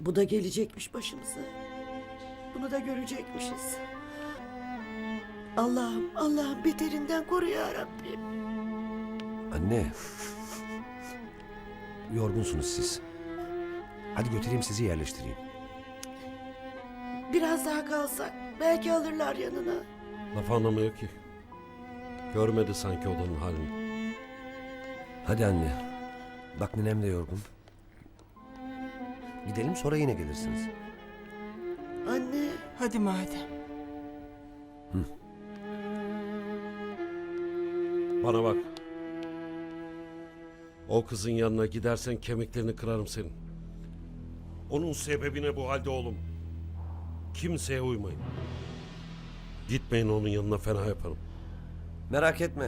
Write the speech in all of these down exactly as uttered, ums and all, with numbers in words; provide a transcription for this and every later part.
Bu da gelecekmiş başımıza. Bunu da görecekmişiz. Allah'ım, Allah'ım beterinden koru ya Rabbim. Anne. Yorgunsunuz siz. Hadi götüreyim sizi yerleştireyim. Biraz daha kalsak belki alırlar yanına. Laf anlamıyor ki. Görmedi sanki odanın halini. Hadi anne. Bak ninem de yorgun. Gidelim sonra yine gelirsiniz. Anne. Hadi madem. Bana bak. O kızın yanına gidersen kemiklerini kırarım senin. Onun sebebine bu halde oğlum. Kimseye uymayın. Gitmeyin onun yanına, fena yaparım. Merak etme.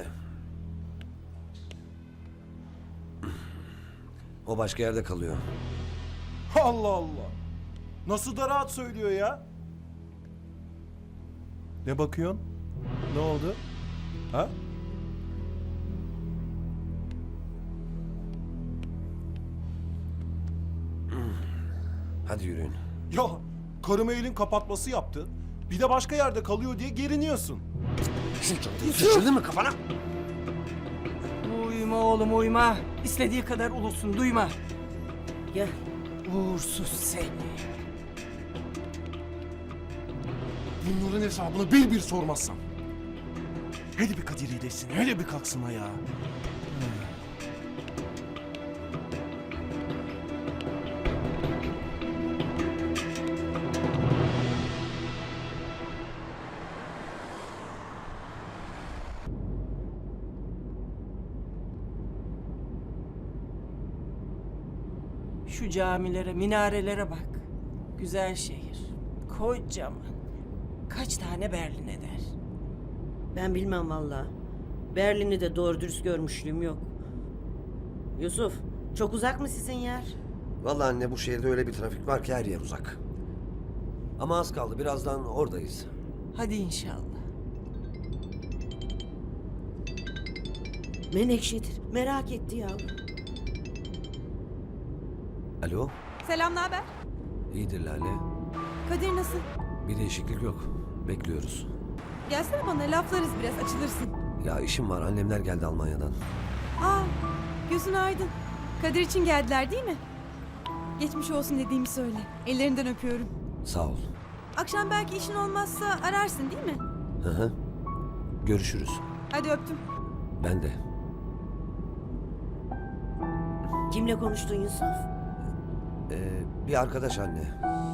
O başka yerde kalıyor. Allah Allah. Nasıl da rahat söylüyor ya? Ne bakıyorsun? Ne oldu? Ha? Hadi yürüyün. Ya karıma elin kapatması yaptı. Bir de başka yerde kalıyor diye geriniyorsun. Sıçradı mı kafana? Uyuma oğlum uyuma. İstediği kadar ulusun duyma. Gel. Uğursuz seni. Bunların hesabını bir bir sormazsam. Hele bir Kadir iyileşsin, hele bir kalksın ayağa. Şu camilere, minarelere bak. Güzel şehir. Kocaman. Kaç tane Berlin eder? Ben bilmem vallahi. Berlin'i de doğru dürüst görmüşlüğüm yok. Yusuf, çok uzak mı sizin yer? Vallahi anne bu şehirde öyle bir trafik var ki her yer uzak. Ama az kaldı, birazdan oradayız. Hadi inşallah. Menekşedir. Merak etti yavrum. Alo, Selam, ne haber? iyidir Lale. Kadir nasıl? Bir değişiklik yok. Bekliyoruz. Gelsene bana, laflarız biraz, açılırsın. Ya işim var, annemler geldi Almanya'dan. Aa, gözün aydın. Kadir için geldiler değil mi? Geçmiş olsun dediğimi söyle. Ellerinden öpüyorum. Sağ ol. Akşam belki işin olmazsa ararsın değil mi? Hı hı. Görüşürüz. Hadi öptüm. Ben de. Kimle konuştun Yusuf? Ee, bir arkadaş anne.